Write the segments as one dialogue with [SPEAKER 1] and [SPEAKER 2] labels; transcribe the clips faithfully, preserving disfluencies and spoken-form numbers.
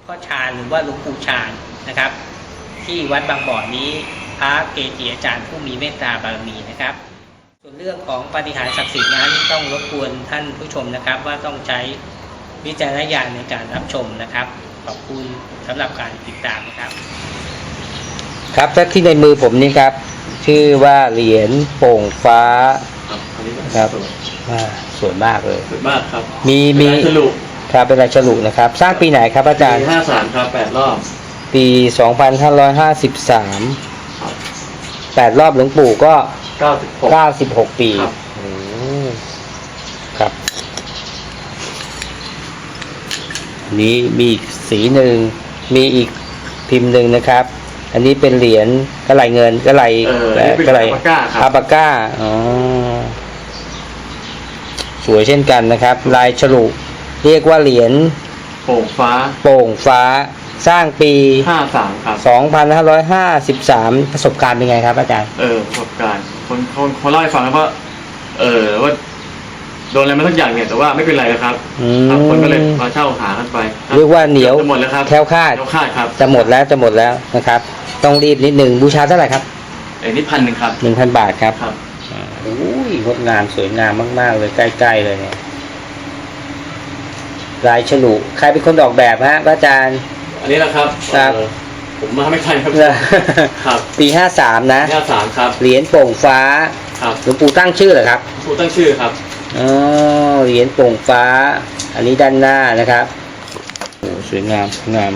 [SPEAKER 1] พ่อชาญหรือว่าหลวงปู่ชาญนะครับ ที่วัดบางบ่อนี้พระเกจิอาจารย์ผู้มีเมตตาบารมีนะครับส่วนเรื่องของปาฏิหาริย์ศักดิ์สิทธิ์นั้นต้องรบกวนท่านผู้ชมนะครับว่าต้องใช้วิจารณญาณในการรับชมนะครับขอบคุณสำหรับการติดตามนะครับ
[SPEAKER 2] ครับและที่ในมือผมนี่ครับชื่อว่าเหรียญโป่งฟ้าครับสวยมากเลย
[SPEAKER 3] สวยมากครับ
[SPEAKER 2] มีมี
[SPEAKER 3] ฉลุ
[SPEAKER 2] ครับเป็นลายฉลุนะครับสร้างปีไหนครับอาจารย์
[SPEAKER 3] ปีห้าสามครับแปดรอบ
[SPEAKER 2] ปีสองพันห้าร้อยห้าสิบสามแปดรอบหลวงปู่ก็
[SPEAKER 3] เก้าสิบหก
[SPEAKER 2] เก้าสิบหกปีครับนี้มีอีกสีหนึ่งมีอีกพิมพ์หนึ่งนะครับอันนี้เป็นเหรียญกระไหลเงินกระไหล
[SPEAKER 3] กระไหล
[SPEAKER 2] อาบาก้าอ๋อสวยเช่นกันนะครับลายฉลุเรียกว่าเหรียญ
[SPEAKER 3] โป่งฟ้า
[SPEAKER 2] โป่งฟ้าสร้างปี
[SPEAKER 3] ห้าสามครับ
[SPEAKER 2] สองพันห้าร้อยห้าสิบสามประสบการณ์เป็นไงครับอาจารย์
[SPEAKER 3] เออประสบการณ์คนคนคนเล่าให้ฟังว่าเออว่าโดนอะไรมาสักอย่างเนี่ยแต่ว่าไม่เป็นไรนะครับคนก็เลยมาเช่าหากันไป
[SPEAKER 2] เรียกว่าเหนียว
[SPEAKER 3] จะหมดแล้วครับ
[SPEAKER 2] แคล้วคลาด
[SPEAKER 3] แคล้วคลาดครับ
[SPEAKER 2] จะหมดแล้วจะหมดแล้วนะครับต้องรีบนิดหนึ่งบูชาเท่าไหร่ครับ
[SPEAKER 3] เอ้นี่พันหนึ่งครับ
[SPEAKER 2] หนึ่งพันบาทครับ
[SPEAKER 3] ครับ
[SPEAKER 2] โอ้ยงดงามสวยงามมากๆเลยใกล้ๆเลยเนี่ยลายฉลุใครเป็นคนออกแบบฮะอาจารย์
[SPEAKER 3] อันนี้นะครับ
[SPEAKER 2] ครับ
[SPEAKER 3] ผมมาไม่ทันครับครับ
[SPEAKER 2] ปีห้าสามนะ
[SPEAKER 3] ห้าสามครับ
[SPEAKER 2] เหรียญโป่งฟ้า
[SPEAKER 3] ครับ
[SPEAKER 2] หลวงปู่ตั้งชื่อเหรอครับ
[SPEAKER 3] หลวงปู่ตั้งชื่อครับ
[SPEAKER 2] อ๋อเหรียญโป่งฟ้าอันนี้ด้านหน้านะครับโอ้สวยงามงาม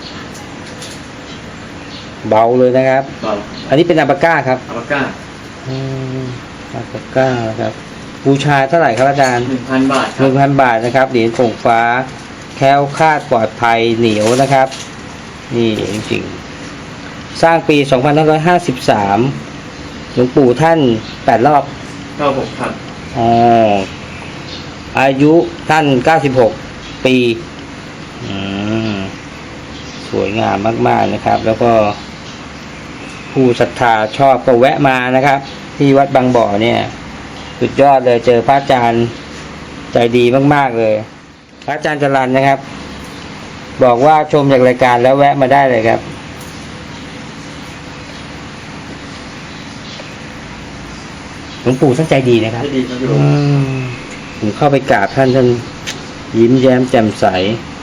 [SPEAKER 2] เบาเลยนะครับอันนี้เป็นอาบาก้าครับ
[SPEAKER 3] อาบาก้า
[SPEAKER 2] อืมอาบาก้าครับบูชาเท่าไหร่ครับอาจารย์
[SPEAKER 3] หนึ่งพันบาท
[SPEAKER 2] หนึ่งพันบาทนะครับเหรียญโป่งฟ้าแคล้วคลาดปลอดภัยเหนียวนะครับนี่จริงๆสร้างปีสองพันห้าร้อยห้าสิบสามหลวงปู่ท่านแปดรอบ
[SPEAKER 3] เก้าหกครับ
[SPEAKER 2] อ๋ออายุท่านเก้าสิบหกปีอืมสวยงามมากๆนะครับแล้วก็ผู้ศรัทธาชอบก็แวะมานะครับที่วัดบางบ่อเนี่ยสุดยอดเลยเจอพระอาจารย์ใจดีมากๆเลยพระอาจารย์จรัญนะครับบอกว่าชมจากรายการแล้วแวะมาได้เลยครับหลวงปู่ท่านใจดีนะครับ
[SPEAKER 3] ใจดีครับ
[SPEAKER 2] ผมเข้าไปกราบท่านท่านยิ้มแย้มแจ่มใส